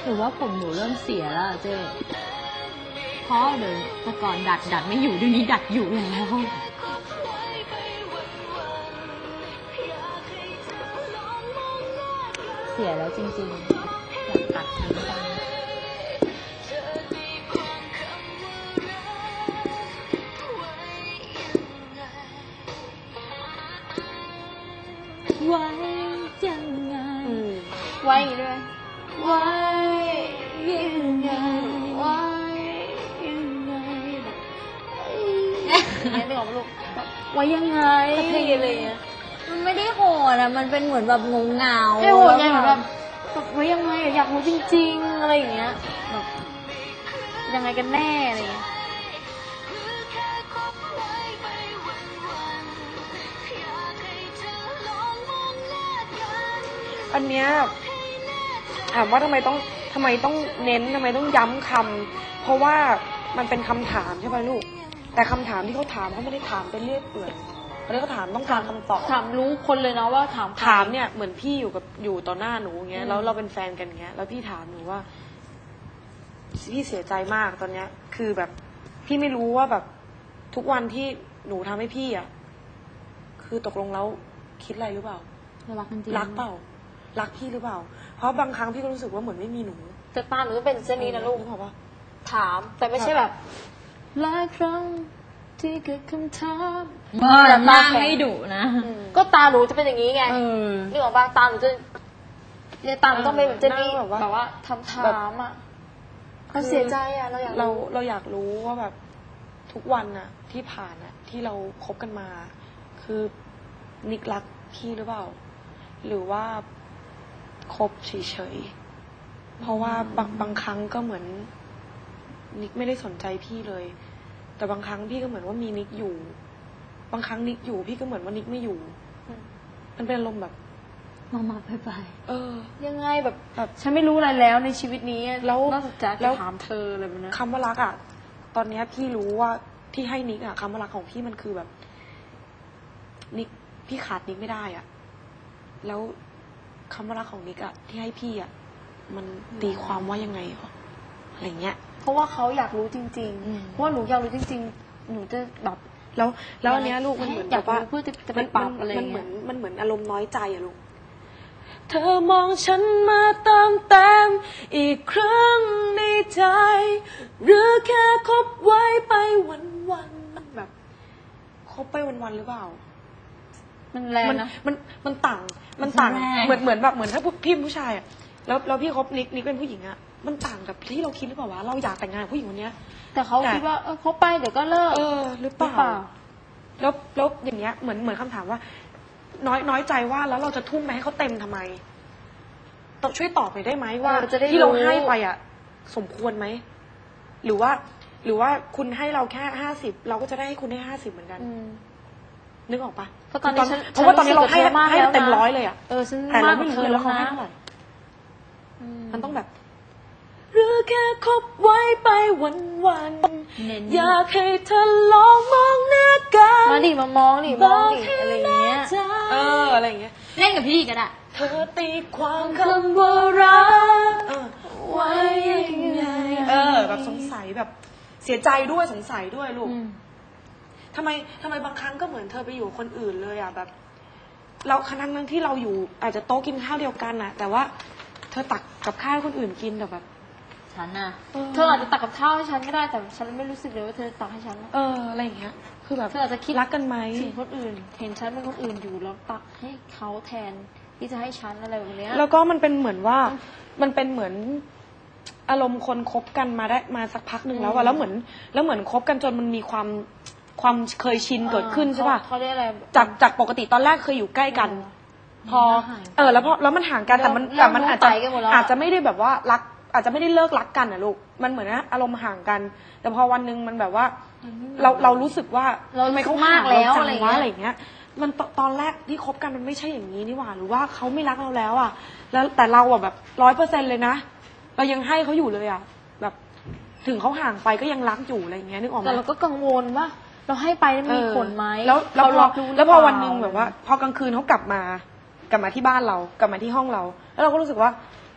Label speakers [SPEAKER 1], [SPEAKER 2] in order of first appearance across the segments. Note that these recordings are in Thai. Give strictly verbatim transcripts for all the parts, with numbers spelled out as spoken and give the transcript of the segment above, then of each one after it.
[SPEAKER 1] หรือว่าผมหนูเริ่มเสียแล้วเจ๊เพราะเดี๋ยวแต่ก่อนดัดดัดไม่อยู่เดี๋ยวนี้ดัดอยู่แล้วเสียแล้วจริงๆอยากตัดทิ้งไปไว้ยังไงไว้ด้วยไว้ยังไงไว้ยังไงเนี่ยนึกออกลูกไว้ยังไงอะไรเงี้ยมันไม่ได้โหดอะมันเป็นเหมือนแบบงงเงาไม่โหดไงเหมือนแบบไว้ยังไงอยากรู้จริงๆอะไรอย่างเงี้ยแบบยังไงกันแน่อะไรเงี้ย
[SPEAKER 2] อันเนี้ยถามว่าทำไมต้องทำไมต้องเน้นทำไมต้องย้ำคำเพราะว่ามันเป็นคำถามใช่ไหมลูกแต่คำถามที่เขาถามเขาไม่ได้ถามเป็นเรื่อยเปื่อยเขาเลยเขาถามต้องการคำตอบ
[SPEAKER 1] ถามรู้คนเลยนะว่าถาม
[SPEAKER 2] ถามเนี่ยเหมือนพี่อยู่กับอยู่ต่อหน้าหนูเงี้ยแล้วเราเป็นแฟนกันเงี้ยแล้วพี่ถามหนูว่าพี่เสียใจมากตอนเนี้ยคือแบบพี่ไม่รู้ว่าแบบทุกวันที่หนูทำให้พี่อ่ะคือตกลงแล้วคิดอะไรหรือเปล่า
[SPEAKER 1] รักจริง
[SPEAKER 2] รักเปล่ารักพี่หรือเปล่าเพราะบางครั้งพี่ก็รู้สึกว่าเหมือนไม่มีหนู
[SPEAKER 1] แต่ตาหนูก็เป็นเช่นนี้นะลูก
[SPEAKER 2] เพราะว่า
[SPEAKER 1] ถามแต่ไม่ใช่แบบหลายครั้งที่เกิดคำถามมาตาให้ดุนะก็ตาหนูจะเป็นอย่างนี้ไงนี่ของบางตาหนูจะเนี่ยตาหนูต้องเป็นแบบเจนนี่แบบว่าทำถามอ่ะเขาเสียใจอ่ะเราอยาก
[SPEAKER 2] เราเราอยากรู้ว่าแบบทุกวันน่ะที่ผ่านน่ะที่เราคบกันมาคือนิกรักพี่หรือเปล่าหรือว่าคบเฉยๆเพราะว่าบางบางครั้งก็เหมือนนิกไม่ได้สนใจพี่เลยแต่บางครั้งพี่ก็เหมือนว่ามีนิกอยู่บางครั้งนิกอยู่พี่ก็เหมือนว่านิกไม่อยู่มันเป็นอารมณ์แบบมามาไปไปเออ
[SPEAKER 1] ยังไงแบบแบบฉันไม่รู้อะไรแล้วในชีวิตนี้แล้วนอกจากจะถามเธออะไรแบบนั้น
[SPEAKER 2] คำว่ารักอ่ะตอนนี้พี่รู้ว่าที่ให้นิกอ่ะคำว่ารักของพี่มันคือแบบนิกพี่ขาดนิกไม่ได้อ่ะแล้วคำว่ารักของนิกอะที่ให้พี่อะมันตีความว่ายังไงหรออะไรเงี้ย
[SPEAKER 1] เพราะว่าเขาอยากรู้จริงๆเพราะว่าหนูอยากรู้จริงๆหนูจะแบบ
[SPEAKER 2] แล้วแล้วอันเนี้ยลูกมันเหมือนแบบว่า
[SPEAKER 1] เพื่อจะไปปรับอะไร
[SPEAKER 2] มันเหมือนมันเหมือนอารมณ์น้อยใจอะลูกเธอมองฉันมาเติมเต็มอีกครั้งในใจหรือแค่คบไว้ไปวันๆแบบคบไปวันๆหรือเปล่า
[SPEAKER 1] มันแรงนะ
[SPEAKER 2] มันมันต่างมันต่างเหมือนเหมือนแบบเหมือนถ้าพี่ผู้ชายอ่ะแล้วแล้วพี่คบนิกนิกเป็นผู้หญิงอ่ะมันต่างกับที่เราคิดหรือเปล่าวะเราอยากแต่งงานกับผู้หญิงคนนี้
[SPEAKER 1] แต่เขาคิดว่าเออคบไปเดี๋ยวก็เลิก
[SPEAKER 2] เออหรือเปล่าแล้วแล้วอย่างเงี้ยเหมือนเหมือนคำถามว่าน้อยน้อยใจว่าแล้วเราจะทุ่มไปให้เขาเต็มทำไมต้องช่วยตอบหน่อยได้ไหมว่าที่เราให้ไปอ่ะสมควรไหมหรือว่าหรือว่าคุณให้เราแค่ห้าสิบเราก็จะได้ให้คุณได้ห้าสิบเหมือนกันนึกออกปะ
[SPEAKER 1] เพราะตอนนี้
[SPEAKER 2] เพราะว่าตอนนี้เราให้ให้เต็มร้อยเลยอ่ะ
[SPEAKER 1] เออฉัน
[SPEAKER 2] แต่เราไม่รู้เลยว่าเขาให้เท่าไหร่มันต้องแบบหรือแค่คบไว้ไปวันวันอยากให้เธอลองมองหน้ากัน
[SPEAKER 1] มาดิมามองดิมองดิอะไรเงี้ย
[SPEAKER 2] เอออะไรเงี้ย
[SPEAKER 1] เล่นกับพี่ก็ได้
[SPEAKER 2] เธอตีความคำว่ารักไว้ยังไงเออแบบสงสัยแบบเสียใจด้วยสงสัยด้วยลูกทำไมทำไมบางครั้งก็เหมือนเธอไปอยู่คนอื่นเลยอ่ะแบบเราครั้งนั้นที่เราอยู่อาจจะโต๊ะกินข้าวเดียวกันน่ะแต่ว่าเธอตักกับข้าวให้คนอื่นกินแต่แบบ
[SPEAKER 1] ฉันน่ะเธออาจจะตักกับข้าวให้ฉันก็ได้แต่ฉันไม่รู้สึกเลยว่าเธอตักให้ฉัน
[SPEAKER 2] เอออะไรอย่างเงี้ยคือแบบ
[SPEAKER 1] เธออาจจะคิด
[SPEAKER 2] รักกันไหม
[SPEAKER 1] ถึงคนอื่นเห็นฉันเป็นคนอื่นอยู่แล้วตักให้เขาแทนที่จะให้ฉันอะไรแบบนี้
[SPEAKER 2] แล้วก็มันเป็นเหมือนว่ามันเป็นเหมือนอารมณ์คนคบกันมาได้มาสักพักหนึ่งแล้วอะแล้วเหมือนแล้วเหมือนคบกันจนมันมีความความเคยชินเกิดขึ้นใช่ป่ะ
[SPEAKER 1] เขาเรียกอะไร
[SPEAKER 2] จากจากปกติตอนแรกเคยอยู่ใกล้กันพอเออแล้วพอแล้วมันห่างกันแต่มันแต่มันอาจจะอาจจะไม่ได้แบบว่ารักอาจจะไม่ได้เลิกรักกันอะลูกมันเหมือนนะอารมณ์ห่างกันแต่พอวันนึงมันแบบว่าเราเรารู้สึกว่า
[SPEAKER 1] ทำไมเขามากแล้วอะไร
[SPEAKER 2] อย่างเงี้ยมันตอนแรกที่คบกันมันไม่ใช่อย่างนี้นี่หว่าหรือว่าเขาไม่รักเราแล้วอะแล้วแต่เราอะแบบร้อยเปอร์เซ็นต์เลยนะเรายังให้เขาอยู่เลยอะแบบถึงเขาห่างไปก็ยังรักอยู่อะไรอย่างเงี้ยนึกออกไหม
[SPEAKER 1] แต่เราก็กังวลว่าเราให้ไปมีผลไหม
[SPEAKER 2] แล้วเรารับรู้แล้วพอวันนึงแบบว่าพอกลางคืนเขากลับมากลับมาที่บ้านเรากลับมาที่ห้องเราแล้วเราก็รู้สึกว่า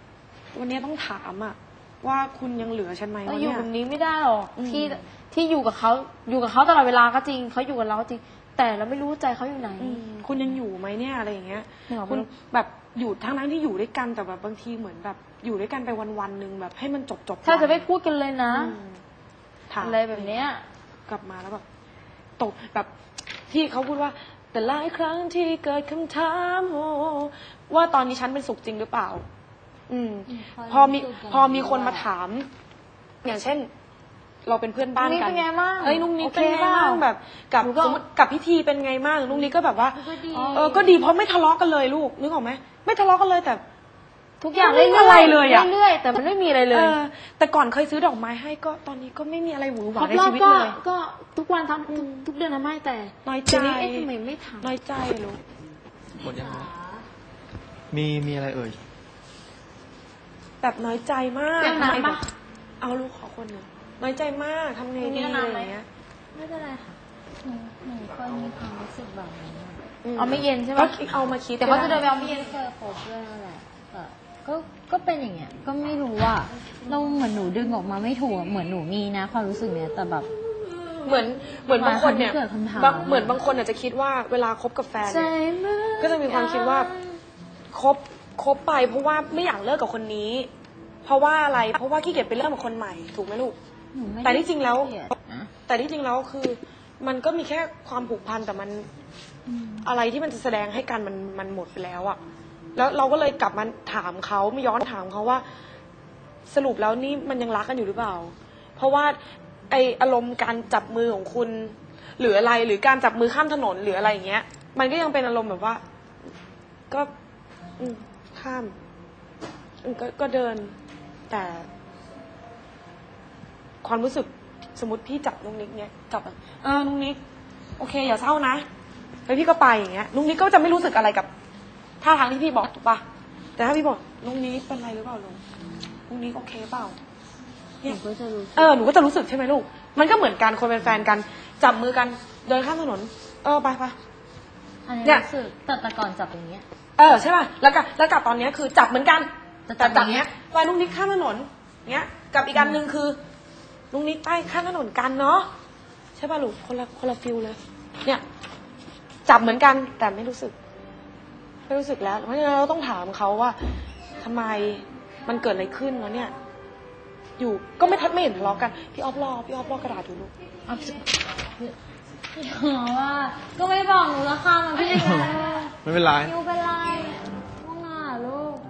[SPEAKER 2] วันนี้ต้องถามอะว่าคุณยังเหลือฉันไหม
[SPEAKER 1] เรา
[SPEAKER 2] วะ
[SPEAKER 1] อยู่
[SPEAKER 2] เนี่ย
[SPEAKER 1] แบบนี้ไม่ได้หรอก
[SPEAKER 2] อืม
[SPEAKER 1] ที่ที่อยู่กับเขาอยู่กับเขาตลอดเวลาก็จริงเขาอยู่กับเราก็จริง แต่เราไม่รู้ใจเขาอยู่ไหน
[SPEAKER 2] อืมคุณยังอยู่ไหมเนี่ยอะไรอย่างเงี้ย
[SPEAKER 1] ไม่ออก
[SPEAKER 2] คุณแบบอยู่ทั้งนั้นที่อยู่ด้วยกันแต่แบบบางทีเหมือนแบบอยู่ด้วยกันไปวันวันๆหนึ่งแบบให้มันจบจบ
[SPEAKER 1] ถ้าจะไม่พูดกันเลยนะ
[SPEAKER 2] ถาม
[SPEAKER 1] อะไรแบบเนี้ย
[SPEAKER 2] กลับมาแล้วแบบตกแบบที่เขาพูดว่า แต่หลายครั้งที่เกิดคำถามโอ้ว่าตอนนี้ฉันเป็นสุขจริงหรือเปล่า อืม พอมีพอมีคนมาถาม อย่างเช่น เราเป็นเพื่อนบ้าน
[SPEAKER 1] นุ๊กนิก
[SPEAKER 2] กัน
[SPEAKER 1] เป็นไงบ้าง
[SPEAKER 2] เอ้ยนุ๊กนิก
[SPEAKER 1] โอเค
[SPEAKER 2] เป็นไงบ้าง
[SPEAKER 1] เปล่า
[SPEAKER 2] แบบกับ
[SPEAKER 1] หนูก็
[SPEAKER 2] สมมติกับพิธีเป็นไงบ้างนุ๊กนิกก็แบบว่า
[SPEAKER 1] ก็ดี
[SPEAKER 2] เออก็ดีเพราะไม่ทะเลาะกันเลยลูกนึกออกไหมไม่ทะเลาะกันเลยแต่
[SPEAKER 1] ทุกอย่าง
[SPEAKER 2] ไม่
[SPEAKER 1] เรื่
[SPEAKER 2] มี
[SPEAKER 1] อย
[SPEAKER 2] อะไร
[SPEAKER 1] ๆ
[SPEAKER 2] เลยอะ
[SPEAKER 1] เรื่อยๆแต่มันไม่มีอะไรเล
[SPEAKER 2] เอย อแต่ก่อนเคยซื้อดอกไม้ให้ก็ตอนนี้ก็ไม่มีอะไรหวือห
[SPEAKER 1] คร
[SPEAKER 2] วา
[SPEAKER 1] บ
[SPEAKER 2] ใน
[SPEAKER 1] รอ
[SPEAKER 2] ชี
[SPEAKER 1] บ
[SPEAKER 2] วิต
[SPEAKER 1] ก็
[SPEAKER 2] เลย
[SPEAKER 1] ก็ทุกวันทำทุกทุกเดือนทำให้แต่
[SPEAKER 2] น้อยใจ
[SPEAKER 1] เดี๋ยวนี้เอ๊ะทำไมไม่ทำ
[SPEAKER 2] น้อยใจลูก
[SPEAKER 3] หมดยังไงมีมีอะไรเอ่ย
[SPEAKER 2] แบบน้อยใจมาก
[SPEAKER 1] เรื่อง
[SPEAKER 2] ทำไม
[SPEAKER 1] น้ำ
[SPEAKER 2] แบ
[SPEAKER 1] ปะ
[SPEAKER 2] บเอาลูกขอคนหนึ่งน้อยใจมากทำไง
[SPEAKER 1] ตรงนี้
[SPEAKER 2] ดี
[SPEAKER 1] เอา
[SPEAKER 2] อะไร
[SPEAKER 1] น้ำไหม
[SPEAKER 2] อย่างเงี้ย
[SPEAKER 4] ไม่เป็นไรค่ะหนูหนูเคยมีความรู้สึกแบบนั้นอะ
[SPEAKER 1] เอาไม่เย็นใช่ไหม
[SPEAKER 2] ก็เอามาคิด
[SPEAKER 1] แต่เขาจะเดินไปเอาไม่เย็น
[SPEAKER 4] เคยคบด้วยนั่นแหละแต่ก็ก็เป็นอย่างเงี้ย ก็ไม่รู้ว่าเราเหมือนหนูดึงออกมาไม่ถูกอะเหมือนหนูมีนะ ความรู้สึกเนี้ยแต่แบบ
[SPEAKER 2] เหมือนเหมือนบางคนเนี่ย
[SPEAKER 4] หมายความที่เกิดคำถาม
[SPEAKER 2] บางเหมือนบางคนอาจจะคิดว่าเวลาคบกับแฟนเนี่ยก็จะมีความคิดว่าคบคบไปเพราะว่าไม่อยากเลิกกับคนนี้ เพราะว่าอะไรเพราะว่าขี้เกียจไปเลิกกับคนใหม่ถูกไหมลูก
[SPEAKER 4] หนูไม่ได้
[SPEAKER 2] แต่ที่จริงแล้ว
[SPEAKER 4] เกลียดนะ
[SPEAKER 2] แต่ที่จริงแล้วคือ มันก็มีแค่ความผูกพันแต่มัน
[SPEAKER 4] อืม
[SPEAKER 2] อะไรที่มันจะแสดงให้กันมันมันหมดไปแล้วอะแล้วเราก็เลยกลับมาถามเขาไม่ย้อนถามเขาว่า สรุปแล้วนี่มันยังรักกันอยู่หรือเปล่า เพราะว่าไออารมณ์การจับมือของคุณ หรืออะไรหรือการจับมือข้ามถนนหรืออะไรอย่างเงี้ย มันก็ยังเป็นอารมณ์แบบว่า ก็อืมข้ามอืมก็ก็เดิน แต่ ความรู้สึกสมมติพี่จับนุ้งนิกเนี่ยจับแบบเออนุ้งนิกโอเคอย่าเศร้านะแล้วพี่ก็ไปอย่างเงี้ยนุ้งนิกก็จะไม่รู้สึกอะไรกับท่าทางที่พี่บอกถูกปะแต่ถ้าพี่บอกนุ้งนิกเป็นไรหรือเปล่าลุงนุ้งนิกโอเคเปล่า
[SPEAKER 4] หนูก็จะรู้สึก
[SPEAKER 2] เออหนูก็จะรู้สึกใช่ไหมลูกมันก็เหมือนกันคนเป็นแฟนกันจับมือกันเดินข้ามถนน เออไปไป
[SPEAKER 4] อันนี้
[SPEAKER 2] เนี่ย
[SPEAKER 4] รู้สึกแต่แต่ก่อนจับอย่างเงี้ย
[SPEAKER 2] เออใช่ป่ะแล้วกับแล้วกับตอนเนี้ยคือจับเหมือนกัน
[SPEAKER 4] แต่จั
[SPEAKER 2] แต่
[SPEAKER 4] บ
[SPEAKER 2] จับ
[SPEAKER 4] อย่างเงี้
[SPEAKER 2] เนี้
[SPEAKER 4] ย
[SPEAKER 2] ยไปนุ้งนิกข้ามถนนเงี้ยกับอีกอันหนึ่งคือนุ้งนิกไปข้ามถนนกันเนาะใช่ป่ะลูกคนละคนละฟิลเลย เนี่ยจับเหมือนกันแต่ไม่รู้สึก ไม่รู้สึกแล้วเพราะฉะนั้นเราต้องถามเขาว่าทำไมมันเกิดอะไรขึ้นแล้วเนี่ย อยู่ก็ไม่ทัดไม่เห็นทะเลาะกันพี่ออฟรอพี่ออฟรอกระดาษดูลูก
[SPEAKER 4] เอาสิอ๋อว่าก็ไม่บอกหนูละค่ะมันพี่ยังไง
[SPEAKER 3] ไม่เป็นไร
[SPEAKER 4] นิวเป็นไรว่างอ่ะลูก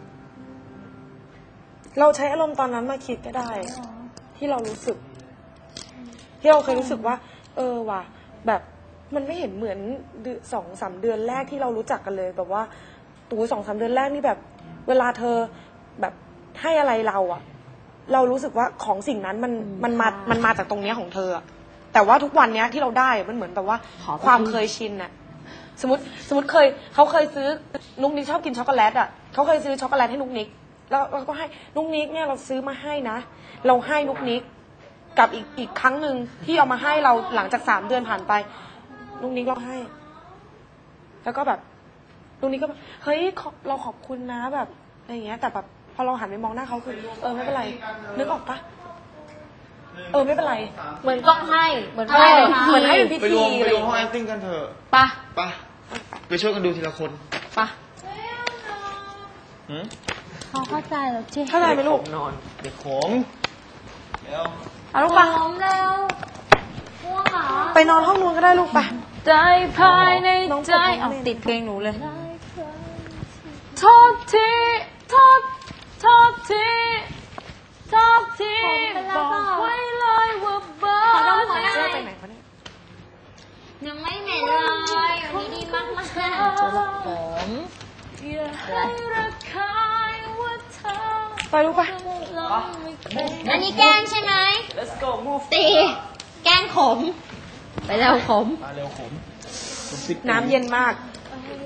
[SPEAKER 2] เราใช้อารมณ์ตอนนั้นมาคิดก็ได้ ที่เรารู้สึก ที่เราเคยรู้สึกว่า เออว่ะแบบมันไม่เห็นเหมือนเดือนสองสามเดือนแรกที่เรารู้จักกันเลย แบบว่าตูสองสามเดือนแรกนี่แบบ เวลาเธอแบบให้อะไรเราอะเรารู้สึกว่าของสิ่งนั้นมันมันมามันมาจากตรงเนี้ยของเธออะแต่ว่าทุกวันเนี้ยที่เราได้อะมันเหมือนแบบว่า
[SPEAKER 4] ขอไป
[SPEAKER 2] ความเคยชินอะสมมติสมมติเคยเขาเคยซื้อนุ๊กนิกชอบกินช็อกโกแลตอะเขาเคยซื้อช็อกโกแลตให้นุ๊กนิก แล้วเราก็ให้นุ๊กนิกเนี่ยเราซื้อมาให้นะเราให้นุ๊กนิกกับอีกอีกครั้งหนึ่งที่เอามาให้เราหลังจากสามเดือนผ่านไปนุ๊กนิกเราให้ แล้วก็แบบนุ๊กนิกก็แบบเฮ้ยขอเราขอบคุณนะแบบอะไรอย่างเงี้ย แต่แบบพอเราหันไปมองหน้าเขาคือเออไม่เป็นไรนึกออกปะเออไม่เป็นไร
[SPEAKER 1] เหมือนต้องให้เหมือน
[SPEAKER 2] ใช่
[SPEAKER 1] ให้เป็นพิ
[SPEAKER 2] เหมือน
[SPEAKER 1] ธี
[SPEAKER 2] ให้เป็นพิ
[SPEAKER 3] ไป
[SPEAKER 2] ธี
[SPEAKER 3] รวม
[SPEAKER 2] อะ
[SPEAKER 3] ไป
[SPEAKER 2] ไร
[SPEAKER 3] ร
[SPEAKER 2] อ
[SPEAKER 3] วม
[SPEAKER 2] ย่าง
[SPEAKER 3] ห้อง
[SPEAKER 2] เงี้ย
[SPEAKER 3] acting กันเถอะ
[SPEAKER 1] ปะ
[SPEAKER 3] ไปไปช่วยกันดูทีละคน
[SPEAKER 1] ปะ
[SPEAKER 3] หืม
[SPEAKER 4] เขาเข้าใจแล้วเจ๊
[SPEAKER 2] เข้าใจไหมลูก
[SPEAKER 3] นอนเด็กขมเดี๋ยว
[SPEAKER 2] เอาลูกไป
[SPEAKER 4] พร้อมแล้วว่างเหรอ
[SPEAKER 2] ไปนอนห้องนู้นก็ได้ลูกไป
[SPEAKER 1] ใจภายใน
[SPEAKER 2] น้อง
[SPEAKER 1] ใจ
[SPEAKER 2] น้อง
[SPEAKER 1] เอา
[SPEAKER 2] เล่น
[SPEAKER 1] ติดเพลงหนูเลยโทษทีโทษโทษทีโทษทีบอกไว้เลยว่าเบอร์
[SPEAKER 4] ขอดมขอได้
[SPEAKER 2] เลิกไปไหนเขาเนี่ย
[SPEAKER 4] ยังไม่เหม็นเลยวันนี้ดีมากมาก
[SPEAKER 1] ผมอย่าให้ระคายว่าเธอ
[SPEAKER 2] ไปลูกไป
[SPEAKER 4] อันนี้แกล้งใช่ไหม
[SPEAKER 2] let's go move
[SPEAKER 4] ตีแกล้งขม ไปแล้วขม
[SPEAKER 3] มาเร็วขมผมสิบ
[SPEAKER 2] น้ำเย็นมาก
[SPEAKER 4] เ